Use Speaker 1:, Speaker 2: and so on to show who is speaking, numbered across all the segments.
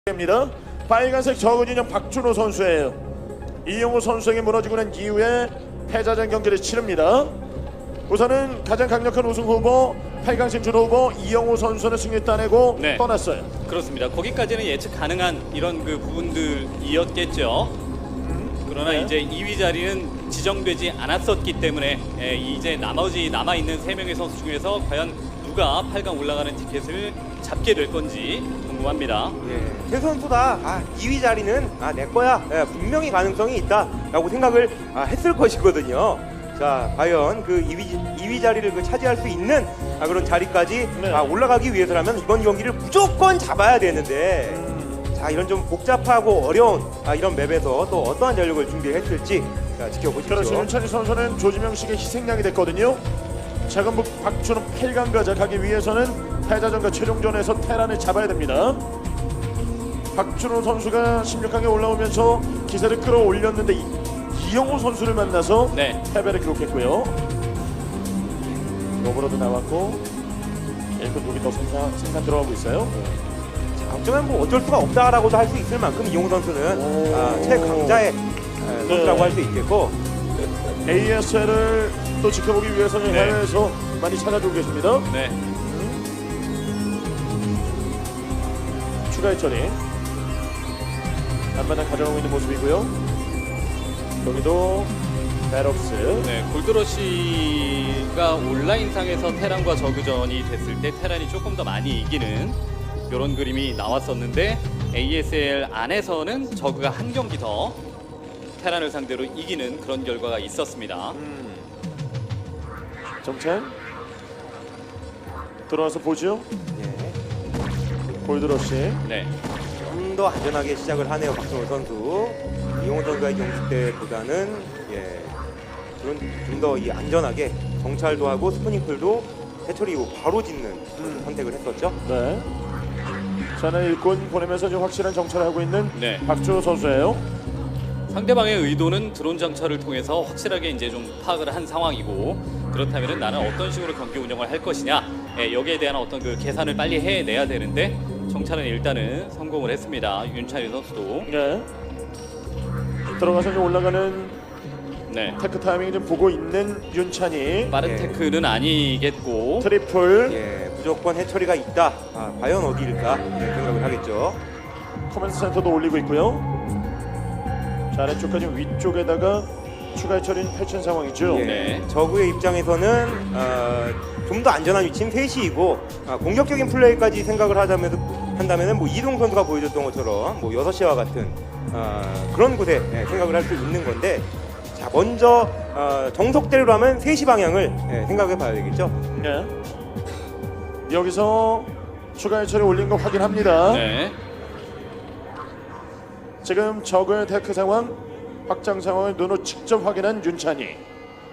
Speaker 1: 입니다. 빨간색 적은 인형 박준호 선수예요. 이영호 선수에게 무너지고 난 이후에 패자전 경기를 치릅니다. 우선은 가장 강력한 우승 후보 8강 진출 후보 이영호 선수는 승리 따내고 떠났어요.
Speaker 2: 그렇습니다. 거기까지는 예측 가능한 이런 그 부분들이었겠죠. 그러나 이제 2위 자리는 지정되지 않았었기 때문에 이제 나머지 남아있는 3명의 선수 중에서 과연 누가 8강 올라가는 티켓을 잡게 될 건지 궁금합니다.
Speaker 3: 세 선수 다 2위 자리는 내 거야. 분명히 가능성이 있다라고 생각을 했을 것이거든요. 자, 과연 그 2위 자리를 차지할 수 있는 그런 자리까지 올라가기 위해서라면 이번 경기를 무조건 잡아야 되는데 자, 이런 좀 복잡하고 어려운 이런 맵에서 또 어떠한 전력을 준비했을지 지켜보십시오.
Speaker 1: 그렇죠. 윤찬희 선수는 조지명 씨의 희생양이 됐거든요. 자금북 박준호 8강 가자 가기 위해서는 패자전과 최종전에서 테란을 잡아야 됩니다. 박준호 선수가 16강에 올라오면서 기세를 끌어올렸는데 이영호 선수를 만나서 패배를 기록했고요. 로브로도 나왔고 일꾼 독이 더 생산 들어가고 있어요.
Speaker 3: 어쩌면 뭐 어쩔 수가 없다라고도 할 수 있을 만큼 이영호 선수는 최강자의 선수라고 할 수 있겠고
Speaker 1: ASL을 또 지켜보기 위해서는 해외에서 많이 찾아주고 계십니다. 추가 해처리 안마당 가져가고 있는 모습이고요. 여기도 베럭스.
Speaker 2: 골드러시가 온라인상에서 테란과 저그전이 됐을 때 테란이 조금 더 많이 이기는 이런 그림이 나왔었는데 ASL 안에서는 저그가 한 경기 더 테란을 상대로 이기는 그런 결과가 있었습니다.
Speaker 1: 정찬 들어와서 보죠. 골드러시.
Speaker 3: 좀 더 안전하게 시작을 하네요, 박준호 선수. 이영호 선수의 경기 때보다는 좀 더 안전하게 정찰도 하고 스프링클도 해처리 이후 바로 짓는 선택을 했었죠.
Speaker 1: 자는 일꾼 보내면서 좀 확실한 정찰을 하고 있는 박준호 선수예요.
Speaker 2: 상대방의 의도는 드론 장차를 통해서 확실하게 이제 좀 파악을 한 상황이고 그렇다면 나는 어떤 식으로 경기 운영을 할 것이냐 여기에 대한 어떤 그 계산을 빨리 해내야 되는데 정찰은 일단은 성공을 했습니다. 윤찬희 선수도
Speaker 1: 들어가서 좀 올라가는 테크 타이밍 좀 보고 있는 윤찬희.
Speaker 2: 빠른 테크는 아니겠고
Speaker 1: 트리플
Speaker 3: 무조건 해처리가 있다. 과연 어디일까 생각을 하겠죠.
Speaker 1: 커맨드 센터도 올리고 있고요. 자, 아래쪽까지 위쪽에다가 추가 해처리는 펼친 상황이죠.
Speaker 3: 저그의 입장에서는 좀 더 안전한 위치는 3시이고 공격적인 플레이까지 생각을 한다면 뭐 이동 선수가 보여줬던 것처럼 뭐 6시와 같은 그런 곳에 생각을 할 수 있는 건데 자, 먼저 정석대로 하면 3시 방향을 생각해 봐야 되겠죠.
Speaker 1: 여기서 추가 해처리 올린 거 확인합니다. 지금 적의 테크 상황, 확장 상황을 눈으로 직접 확인한 윤찬희.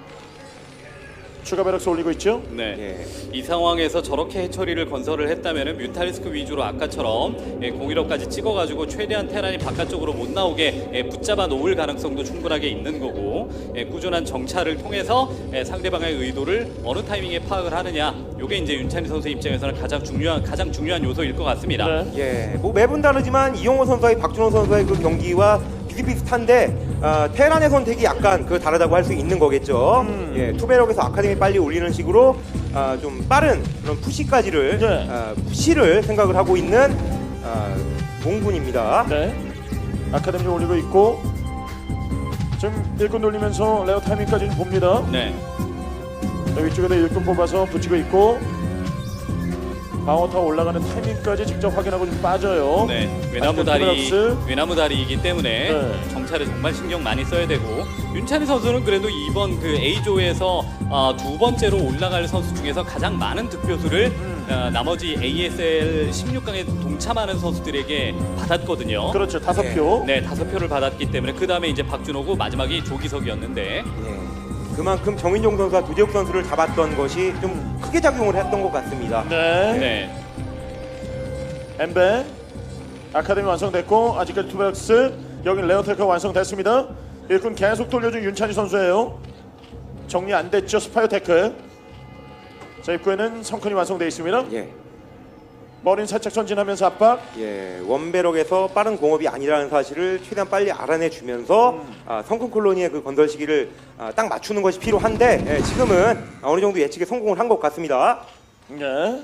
Speaker 1: 추가 베럭스 올리고 있죠?
Speaker 2: 이 상황에서 저렇게 해처리를 건설을 했다면 뮤탈리스크 위주로 아까처럼 01호까지 찍어가지고 최대한 테란이 바깥쪽으로 못 나오게 붙잡아 놓을 가능성도 충분하게 있는 거고 꾸준한 정찰을 통해서 상대방의 의도를 어느 타이밍에 파악을 하느냐 이게 이제 윤찬희 선수 입장에서는 가장 중요한 요소일 것 같습니다.
Speaker 3: 뭐 매분 다르지만 이영호 선수와 박준호 선수의 그 경기와 비슷비슷한데 테란의 선택이 약간 다르다고 할 수 있는 거겠죠. 투베럭에서 아카데미 빨리 올리는 식으로 좀 빠른 그런 푸시까지를 푸시를 생각을 하고 있는 몽군입니다.
Speaker 1: 아카데미 올리고 있고 지금 일꾼 돌리면서 레어 타이밍까지 봅니다. 위쪽에다 일꾼 뽑아서 붙이고 있고 방어타 올라가는 타이밍까지 직접 확인하고 좀 빠져요.
Speaker 2: 외나무 다리이기 때문에 정찰에 정말 신경 많이 써야 되고 윤찬희 선수는 그래도 이번 그 A조에서 두 번째로 올라갈 선수 중에서 가장 많은 득표수를 나머지 ASL 16강에 동참하는 선수들에게 받았거든요.
Speaker 1: 그렇죠. 5표.
Speaker 2: 5표를 받았기 때문에 그 다음에 이제 박준호고 마지막이 조기석이었는데
Speaker 3: 그만큼 정인종 선수와 두재욱 선수를 잡았던 것이 좀 크게 작용을 했던 것 같습니다.
Speaker 1: 엠베 아카데미 완성됐고 아직까지 투베럭스 여기 레어테크가 완성됐습니다. 일꾼 계속 돌려준 윤찬희 선수예요. 정리 안 됐죠. 스파이어 테크. 자, 입구에는 성큰이 완성되어 있습니다. 머리는 살짝 전진하면서 압박.
Speaker 3: 예, 원배럭에서 빠른 공업이 아니라는 사실을 최대한 빨리 알아내주면서 성큼 콜로니의 그 건설 시기를 딱 맞추는 것이 필요한데 예, 지금은 어느 정도 예측에 성공을 한 것 같습니다.
Speaker 1: 네.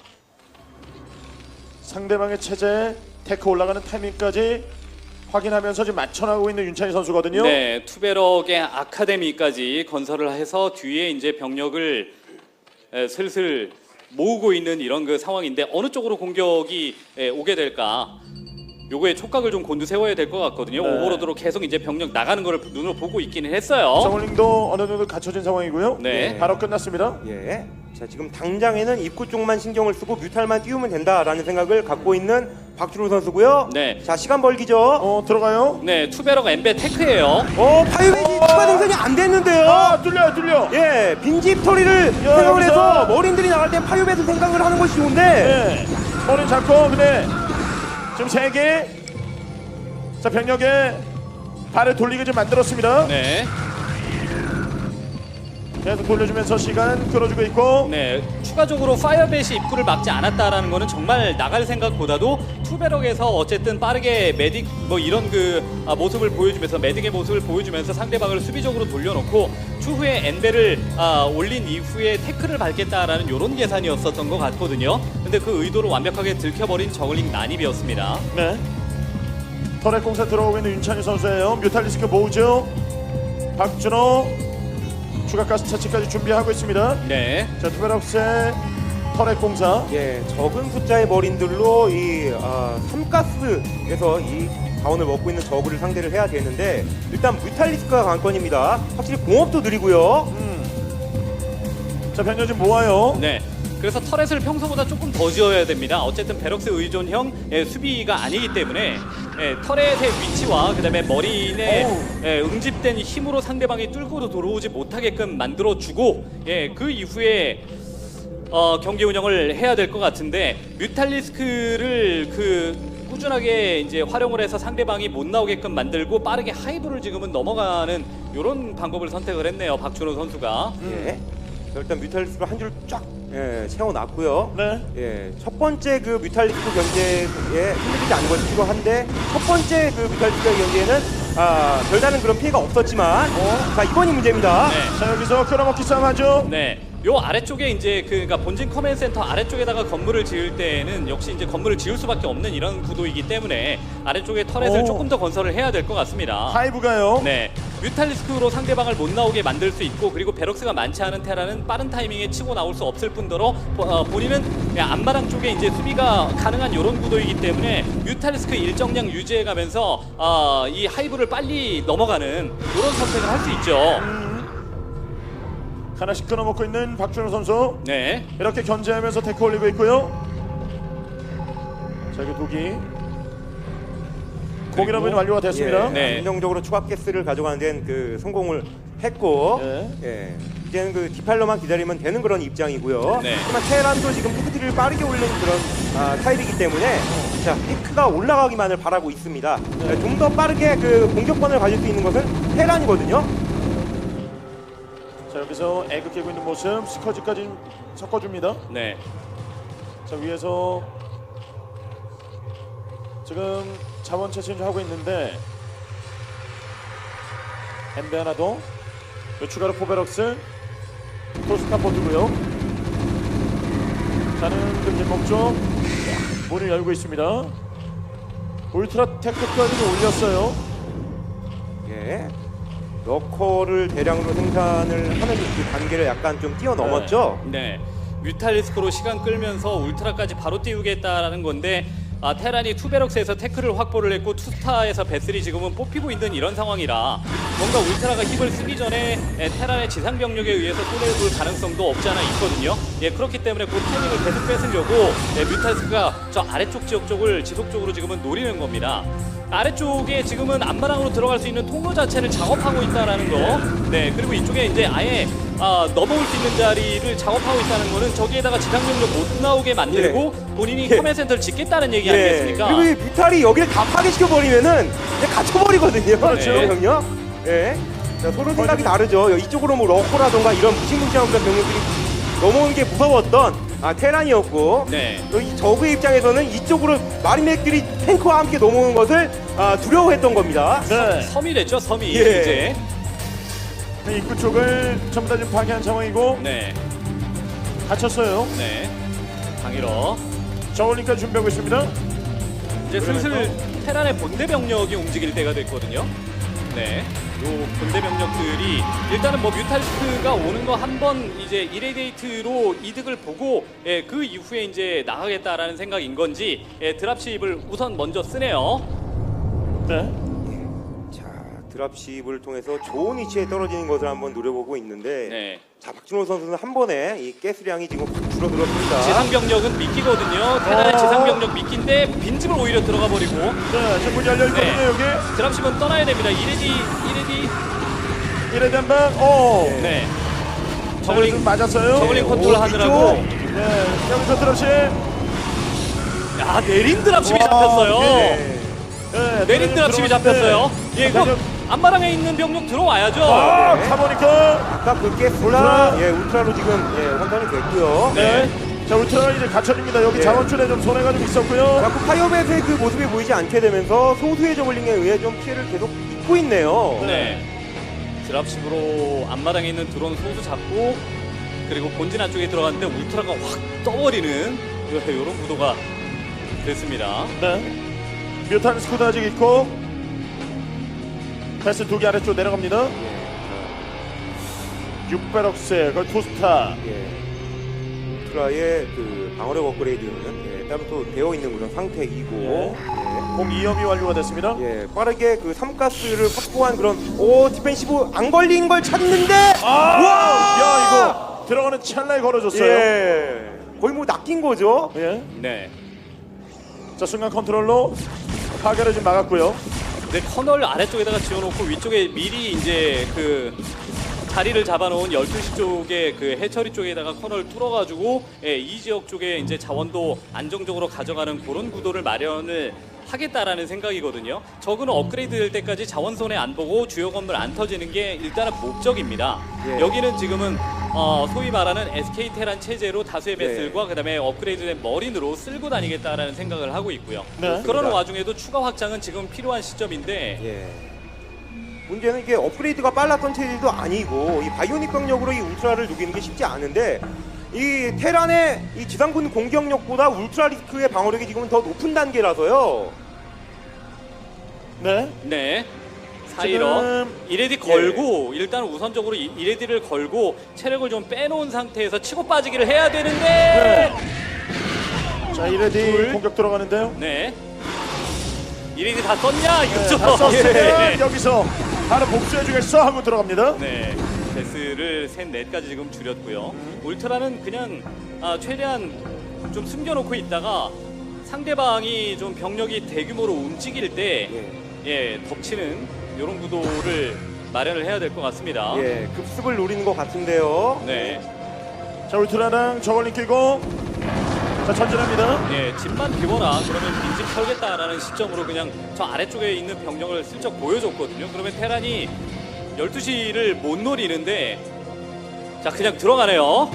Speaker 1: 상대방의 체제 테크 올라가는 타이밍까지 확인하면서 지금 맞춰나가고 있는 윤찬희 선수거든요.
Speaker 2: 네, 투베럭의 아카데미까지 건설을 해서 뒤에 이제 병력을 슬슬 모으고 있는 이런 그 상황인데 어느 쪽으로 공격이 오게 될까? 요거에 촉각을 좀 곤두세워야 될 것 같거든요.
Speaker 1: 네.
Speaker 2: 오버로드로 계속 이제 병력 나가는 거를 눈으로 보고 있기는 했어요.
Speaker 1: 정울링도 어느 정도 갖춰진 상황이고요.
Speaker 2: 네.
Speaker 1: 바로 끝났습니다.
Speaker 3: 예. 자, 지금 당장에는 입구 쪽만 신경을 쓰고 뮤탈만 띄우면 된다라는 생각을 갖고 있는 박주로 선수고요.
Speaker 2: 네.
Speaker 3: 자, 시간 벌기죠.
Speaker 1: 들어가요.
Speaker 2: 네, 투베럭 엠베 테크예요.
Speaker 3: 파이웨이 추가 생산이 안 됐는데요.
Speaker 1: 뚫려.
Speaker 3: 예, 빈집 처리를 생각을
Speaker 1: 여기서.
Speaker 3: 해서 머린들이 나갈 땐 파이웨이 생각을 하는 것이 좋은데
Speaker 1: 네. 머리 잡고 근데 지금 3개. 자, 병력에 발을 돌리게 좀 만들었습니다.
Speaker 2: 네.
Speaker 1: 계속 돌려주면서 시간 끌어주고 있고.
Speaker 2: 네, 추가적으로 파이어벳이 입구를 막지 않았다라는 거는 정말 나갈 생각보다도 투베럭에서 어쨌든 빠르게 메딕 뭐 이런 그 모습을 보여주면서 메딕의 모습을 보여주면서 상대방을 수비적으로 돌려놓고 추후에 엔벨을 올린 이후에 태클을 밟겠다라는 이런 계산이었었던 것 같거든요. 근데 그 의도를 완벽하게 들켜버린 저글링 난입이었습니다.
Speaker 1: 네. 터렛 공사 들어오고 있는 윤찬희 선수예요. 뮤탈리스크 모으죠. 박준호 추가 가스 차치까지 준비하고 있습니다.
Speaker 2: 네.
Speaker 1: 자, 투베럭스의 터렛 공사.
Speaker 3: 예, 적은 숫자의 머린들로 이 삼가스에서 이 자원을 먹고 있는 저그를 상대를 해야 되는데 일단 뮤탈리스크가 관건입니다. 확실히 공업도 느리고요.
Speaker 1: 자, 변경 좀 모아요.
Speaker 2: 네. 그래서 터렛을 평소보다 조금 더 지어야 됩니다. 어쨌든 베럭스 의존형 수비가 아니기 때문에 터렛의 위치와 그다음에 머린의 응집된 힘으로 상대방이 뚫고 들어오지 못하게끔 만들어주고 그 이후에 경기 운영을 해야 될 것 같은데 뮤탈리스크를 꾸준하게 이제 활용을 해서 상대방이 못 나오게끔 만들고 빠르게 하이브를 지금은 넘어가는 이런 방법을 선택을 했네요. 박준호 선수가.
Speaker 3: 예. 자, 일단 뮤탈리스크를 한 줄 쫙 채워놨고요.
Speaker 1: 네.
Speaker 3: 예, 첫 번째 그 뮤탈리스크 견제에 흔들리지 않는 것이 필요한데 첫 번째 그 뮤탈리스크 견제에는 별다른 그런 피해가 없었지만 자, 이번이 문제입니다.
Speaker 2: 네.
Speaker 1: 자, 여기서 끌어먹기 싸움 하죠.
Speaker 2: 네, 요 아래쪽에 이제 그러니까 본진 커맨드 센터 아래쪽에다가 건물을 지을 때는 역시 이제 건물을 지을 수밖에 없는 이런 구도이기 때문에 아래쪽에 터렛을
Speaker 1: 오.
Speaker 2: 조금 더 건설을 해야 될 것 같습니다.
Speaker 1: 하이브가요.
Speaker 2: 네, 뮤탈리스크로 상대방을 못 나오게 만들 수 있고 그리고 베럭스가 많지 않은 테라는 빠른 타이밍에 치고 나올 수 없을 뿐더러 본인은 앞마당 쪽에 이제 수비가 가능한 이런 구도이기 때문에 뮤탈리스크 일정량 유지해가면서 이 하이브를 빨리 넘어가는 이런 선택을 할 수 있죠.
Speaker 1: 하나씩 끊어먹고 있는 박준호 선수.
Speaker 2: 네,
Speaker 1: 이렇게 견제하면서 데크 올리고 있고요. 자, 여기 독이. 공일업은 완료가 됐습니다.
Speaker 3: 예,
Speaker 2: 네.
Speaker 3: 안정적으로 추가 가스를 가져가는 데는 그 성공을 했고
Speaker 1: 네.
Speaker 3: 예, 이제는 그 디팔러만 기다리면 되는 그런 입장이고요.
Speaker 2: 네.
Speaker 3: 하지만 테란도 지금 테크트리를 빠르게 올리는 그런 타입이기 때문에 자, 테크가 올라가기만을 바라고 있습니다. 좀 더 빠르게 그 공격권을 가질 수 있는 것은 테란이거든요.
Speaker 1: 자, 여기서 애그 깨고 있는 모습. 스커지까지 섞어줍니다.
Speaker 2: 네.
Speaker 1: 자, 위에서 지금 자원 채취 좀 하고 있는데 엠베 하나 더. 추가로 포베럭스 토스타포트고요. 자는 금지 목적 문을 열고 있습니다. 울트라 테크까지 올렸어요.
Speaker 3: 예. 러커를 대량으로 생산을 하는 그 단계를 약간 좀 뛰어넘었죠.
Speaker 2: 네, 뮤탈리스크로 시간 끌면서 울트라까지 바로 띄우겠다라는 건데 테란이 투베럭스에서 태클을 확보를 했고 투스타에서 베슬이 지금은 뽑히고 있는 이런 상황이라 뭔가 울트라가 힘을 쓰기 전에 테란의 지상 병력에 의해서 손해볼 가능성도 없지 않아 있거든요. 그렇기 때문에 그 타이밍을 계속 뺏으려고 뮤탈리스크가 저 아래쪽 지역 쪽을 지속적으로 지금은 노리는 겁니다. 아래쪽에 지금은 앞마당으로 들어갈 수 있는 통로 자체를 작업하고 있다라는 거. 네, 그리고 이쪽에 이제 아예 넘어올 수 있는 자리를 작업하고 있다는 거는 저기에다가 지상병력 못 나오게 만들고 본인이 커맨드 센터를 짓겠다는 얘기 아니겠습니까?
Speaker 3: 그리고 이 뮤탈이 여기를 다 파괴시켜 버리면은 그냥 갇혀버리거든요.
Speaker 1: 그렇죠.
Speaker 3: 병력. 예. 자, 서로 생각이 다르죠. 이쪽으로 뭐 러커라던가 이런 무시무시한 그런 병력들이 넘어오는 게 무서웠던 테란이었고
Speaker 2: 네.
Speaker 3: 또 이 적의 입장에서는 이쪽으로 마린맥들이 탱크와 함께 넘어오는 것을 두려워했던 겁니다.
Speaker 1: 네.
Speaker 2: 섬이 됐죠, 섬이.
Speaker 3: 예.
Speaker 2: 이제.
Speaker 1: 입구 쪽을 전부 다 지금 파괴한 상황이고
Speaker 2: 네.
Speaker 1: 갇혔어요.
Speaker 2: 네. 강일어.
Speaker 1: 저울링까지 준비하고 있습니다.
Speaker 2: 이제 슬슬 테란의 본대 병력이 움직일 때가 됐거든요. 네. 요 본대 병력들이 일단은 뭐 뮤탈리스크가 오는 거 한 번 이제 이레디에이트로 이득을 보고 예, 그 이후에 이제 나가겠다라는 생각인 건지 예, 드랍십을 우선 먼저 쓰네요.
Speaker 1: 네.
Speaker 3: 자, 드랍십을 통해서 좋은 위치에 떨어지는 것을 한번 노려보고 있는데
Speaker 2: 네.
Speaker 3: 자, 박준호 선수는 한 번에 이 가스량이 지금 확 줄어들었습니다.
Speaker 2: 지상 병력은 미끼거든요. 테란의 지상 병력 미끼인데 빈집을 오히려 들어가 버리고
Speaker 1: 네, 지금 문 열려 있거든요.
Speaker 2: 네.
Speaker 1: 여기
Speaker 2: 드랍십은 떠나야 됩니다. 이레디
Speaker 1: 이레디 한 방. 오.
Speaker 2: 네.
Speaker 1: 저글링 맞았어요.
Speaker 2: 저글링 컨트롤 하느라고
Speaker 1: 네, 여기서 드랍시.
Speaker 2: 야 내린 드랍십이
Speaker 1: 와,
Speaker 2: 잡혔어요.
Speaker 1: 네. 네,
Speaker 2: 내린 드랍십이 잡혔어요. 예, 이거 안마랑에 있는 병력 들어와야죠.
Speaker 1: 아,
Speaker 2: 네.
Speaker 1: 가보니까.
Speaker 3: 아까 그 가스라 울트라로 지금 환산이 됐고요.
Speaker 1: 네. 자, 울트라가 이제 갇혀집니다. 여기
Speaker 3: 네.
Speaker 1: 자원줄에 좀 손해가 좀 있었고요.
Speaker 3: 자꾸 파이어벳의 그 모습이 보이지 않게 되면서 소수의 저글링에 의해 좀 피해를 계속 입고 있네요.
Speaker 2: 네. 드랍십으로 앞마당에 있는 드론 소수 잡고 그리고 본진 안쪽에 들어갔는데 울트라가 확 떠버리는 이런 구도가 됐습니다.
Speaker 1: 네. 뮤탄 스쿠드 아직 있고. 패스 2개 아래쪽 내려갑니다. 6배럭스, 그 투스타.
Speaker 3: 울트라의 그 방어력 업그레이드는 따로 또 되어 있는 그런 상태이고
Speaker 1: 공 2염이 완료가 됐습니다.
Speaker 3: 빠르게 그 3가스를 확보한 그런 디펜시브 안 걸린 걸 찾는데
Speaker 1: 야, 이거 들어가는 찰나에 걸어줬어요.
Speaker 3: 거의 뭐 낚인 거죠.
Speaker 1: 예.
Speaker 2: 네.
Speaker 1: 자, 순간 컨트롤로 파괴를 좀 막았고요.
Speaker 2: 근데 커널 아래쪽에다가 지어놓고 위쪽에 미리 이제 그 자리를 잡아놓은 12시 쪽에 그 해처리 쪽에다가 커널 뚫어가지고 이 지역 쪽에 이제 자원도 안정적으로 가져가는 그런 구도를 마련을 하겠다라는 생각이거든요. 적은 업그레이드 될 때까지 자원 손해 안 보고 주요 건물 안 터지는 게 일단은 목적입니다. 여기는 지금은 소위 말하는 SK 테란 체제로 다수의 배슬과 그다음에 업그레이드된 머린으로 쓸고 다니겠다라는 생각을 하고 있고요.
Speaker 1: 네.
Speaker 2: 그러는 와중에도 추가 확장은 지금 필요한 시점인데
Speaker 3: 문제는 이게 업그레이드가 빨랐던 체제도 아니고 이 바이오닉 병력으로 이 울트라를 녹이는 게 쉽지 않은데 이 테란의 이 지상군 공격력보다 울트라 리스크의 방어력이 지금은 더 높은 단계라서요.
Speaker 1: 네.
Speaker 2: 네. 사이러
Speaker 1: 지금
Speaker 2: 이레디 걸고 일단 우선적으로 이레디를 걸고 체력을 좀 빼놓은 상태에서 치고 빠지기를 해야 되는데
Speaker 1: 자, 이레디 공격 들어가는데요.
Speaker 2: 네. 이레디 다 썼냐 이거죠.
Speaker 1: 다 썼으면
Speaker 2: 네.
Speaker 1: 여기서 바로 복수해주겠어 하고 들어갑니다.
Speaker 2: 네. 베스를 셋 넷까지 지금 줄였고요. 울트라는 그냥 최대한 좀 숨겨놓고 있다가 상대방이 좀 병력이 대규모로 움직일 때 덮치는 이런 구도를 마련을 해야 될 것 같습니다.
Speaker 3: 급습을 노리는 것 같은데요.
Speaker 2: 네.
Speaker 1: 자, 울트라랑 저걸링 끼고 자, 전진합니다.
Speaker 2: 네, 집만 비워라. 그러면 빈집 털겠다라는 시점으로 그냥 저 아래쪽에 있는 병력을 슬쩍 보여줬거든요. 그러면 테란이 12시를 못 노리는데 자, 그냥 들어가네요.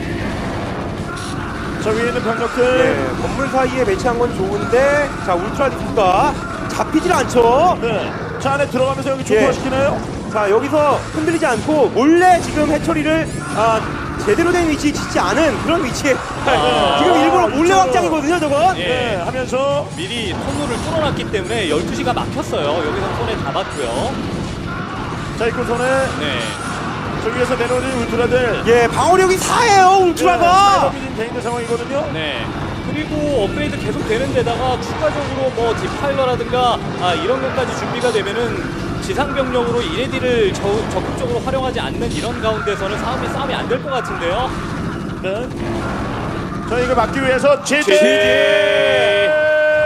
Speaker 1: 저 위에 있는 병력들.
Speaker 3: 건물 사이에 배치한 건 좋은데 자 울트라 리스크가 잡히질 않죠.
Speaker 1: 네. 자, 안에 들어가면서 여기 조포시키나요?
Speaker 3: 자 여기서 흔들리지 않고 몰래 지금 해처리를 제대로 된 위치에 짓지 않은 그런 위치에 지금 일부러 몰래
Speaker 1: 이쪽으로.
Speaker 3: 확장이거든요 저건.
Speaker 2: 예.
Speaker 1: 하면서
Speaker 2: 미리 통로를 뚫어놨기 때문에 12시가 막혔어요. 여기서 손에 잡았고요.
Speaker 1: 자, 입구 손에
Speaker 2: 네.
Speaker 1: 저기에서 내려오는 울트라들.
Speaker 3: 방어력이 4예요 울트라가.
Speaker 1: 돼 있는 상황이거든요.
Speaker 2: 네. 그리고 업그레이드 계속 되는 데다가 추가적으로 뭐 디파일러라든가 이런 것까지 준비가 되면은 지상병력으로 이레디를 적극적으로 활용하지 않는 이런 가운데서는 싸움이 안 될 것 같은데요.
Speaker 1: 네. 자, 이걸 막기 위해서 제재.